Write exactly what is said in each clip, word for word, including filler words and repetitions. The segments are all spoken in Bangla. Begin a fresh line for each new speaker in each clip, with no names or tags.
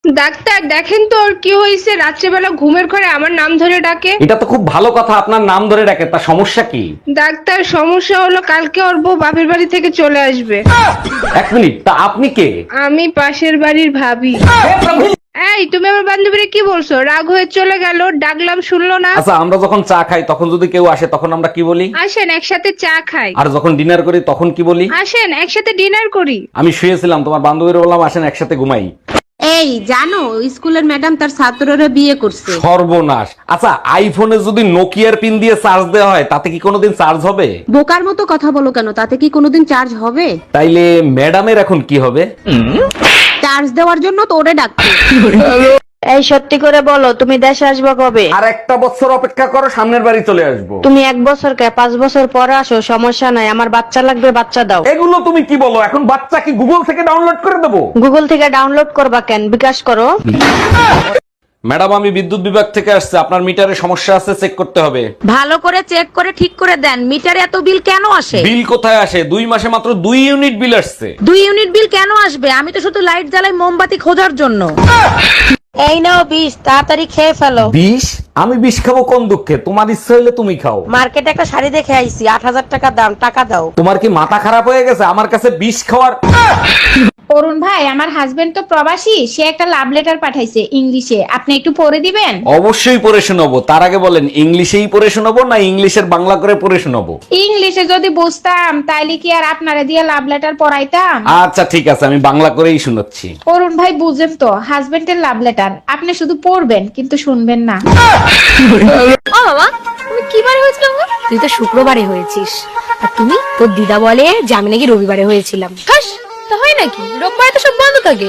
ডাক্তার দেখেন তো ওর কি হয়েছে, রাত্রেবেলা ঘুমের ঘরে আমার নাম ধরে ডাকে।
এটা তো খুব ভালো কথা, আপনার নাম ধরে ডাকে, তা সমস্যা কি?
ডাক্তার সমস্যা হলো কালকে ওর বউ বাপের বাড়ি থেকে চলে আসবে।
এক মিনিট, তা আপনি কে?
আমি পাশের বাড়ির ভাবি। এই তুমি আমার বান্ধবীরে কি বলছো? রাগ হয়ে চলে গেল, ডাকলাম শুনলো না।
আচ্ছা, আমরা যখন চা খাই তখন যদি কেউ আসে তখন আমরা কি বলি?
আসেন একসাথে চা খাই।
আর যখন ডিনার করি তখন কি বলি?
আসেন একসাথে ডিনার করি।
আমি শুয়েছিলাম, তোমার বান্ধবীর বললাম আসেন একসাথে ঘুমাই।
এই জানো স্কুলের ম্যাডাম তার ছাত্ররা বিয়ে করছে।
সর্বনাশ। আচ্ছা, আইফোনে যদি নোকিয়ার পিন দিয়ে চার্জ দেওয়া হয় তাতে কি কোনোদিন চার্জ হবে?
বোকার মতো কথা বলো কেন, তাতে কি কোনোদিন চার্জ হবে?
তাইলে ম্যাডামের এখন কি হবে?
চার্জ দেওয়ার জন্য তো ওরে ডাকছে।
এই সত্যি করে বলো, তুমি দেশে আসবে কবে?
আর একটা বছর অপেক্ষা করো, সামনের বাড়ি চলে আসবো।
তুমি এক বছর কে পাঁচ বছর পরে আসো, সমস্যা নাই, আমার বাচ্চা লাগবে, বাচ্চা দাও।
এগুলো তুমি কি বলো? এখন বাচ্চা কি গুগল থেকে ডাউনলোড করে দেবো?
গুগল থেকে ডাউনলোড করবা কেন, বিকাশ করো।
ম্যাডাম, আমি বিদ্যুৎ বিভাগ থেকে আসছে, আপনার মিটারে সমস্যা আছে, চেক করতে হবে।
ভালো করে চেক করে ঠিক করে দেন, মিটারে এত বিল কেন আসে?
বিল কোথায় আসে? দুই মাসে মাত্র দুই ইউনিট বিল আসছে।
দুই ইউনিট বিল কেন আসবে? আমি তো শুধু লাইট জ্বালাই মোমবাতি খোঁজার জন্য।
এই নাও বিষ, তাড়াতাড়ি খেয়ে ফেলো।
বিষ? আমি বিষ খাবো কোন দুঃখে? তোমার ইচ্ছা হইলে তুমি খাও।
মার্কেটে একটা শাড়ি দেখে আইছি, আট হাজার টাকা দাম, টাকা দাও।
তোমার কি মাথা খারাপ হয়ে গেছে আমার কাছে বিষ খাওয়ার?
অরুণ ভাই, আমার হাজবেন্ড তো প্রবাসী, সে একটা লাভ লেটার পাঠাইছে ইংলিশে, আপনি একটু পড়ে দিবেন?
অবশ্যই পড়ে শোনাবো। তার আগে বলেন, ইংলিশেই পড়ে শোনাবো না ইংলিশের বাংলা করে পড়ে শোনাবো?
ইংলিশে যদি বুঝতাম তাইলে কি আর আপনারে দিয়ে লাভ লেটার পড়াইতাম?
আচ্ছা ঠিক আছে, আমি বাংলা করেই শোনাচ্ছি।
অরুণ ভাই বুঝেন তো, হাজবেন্ডের লাভ লেটার, আপনি শুধু পড়বেন কিন্তু শুনবেন না।
ও বাবা, তুমি কি বারে হয়েছিল গো? তুই তো শুক্রবারে হয়েছিস, আর তুমি তোর দিদা বলে যে আমি নাকি রবিবারে হয়েছিলাম। হাস, তা হয় নাকি? রোববারে তো সব বন্ধ থাকে।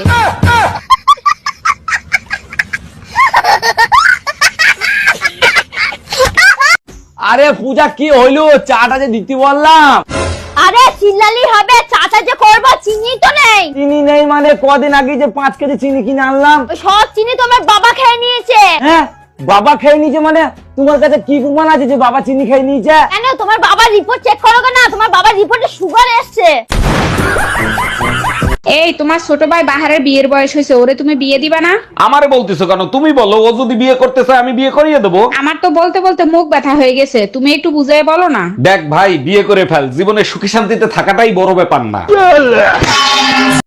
আরে পূজা, কি হইলো? চাটা যে দিতে বললাম।
আরে চিল্লালি হবে, চাচা যে করবা, চিনি তো নেই।
চিনি নেই মানে? কদিন আগে যে পাঁচ কেজি চিনি কিনে আনলাম,
ওই সব চিনি তোমার বাবা খেয়ে নিয়েছে।
হ্যাঁ বাবা খেয়ে নিয়েছে মানে? তোমার কাছে কি প্রমাণ আছে যে বাবা চিনি খেয়ে নিয়েছে?
কেন, তোমার বাবার রিপোর্ট চেক করো না? তোমার বাবার রিপোর্টে সুগার এসছে।
এই তোমার ছোট ভাই বাহারের বিয়ের বয়স হয়েছে, ওরে তুমি বিয়ে দিবা না?
আমারে বলতেছো কেন? তুমি বলো, ও যদি বিয়ে করতে চায় আমি বিয়ে করিয়ে দেবো।
আমার তো বলতে বলতে মুখ ব্যথা হয়ে গেছে, তুমি একটু বুঝাই বলো না।
দেখ ভাই, বিয়ে করে ফেল, জীবনে সুখী শান্তিতে থাকাটাই বড় ব্যাপার না।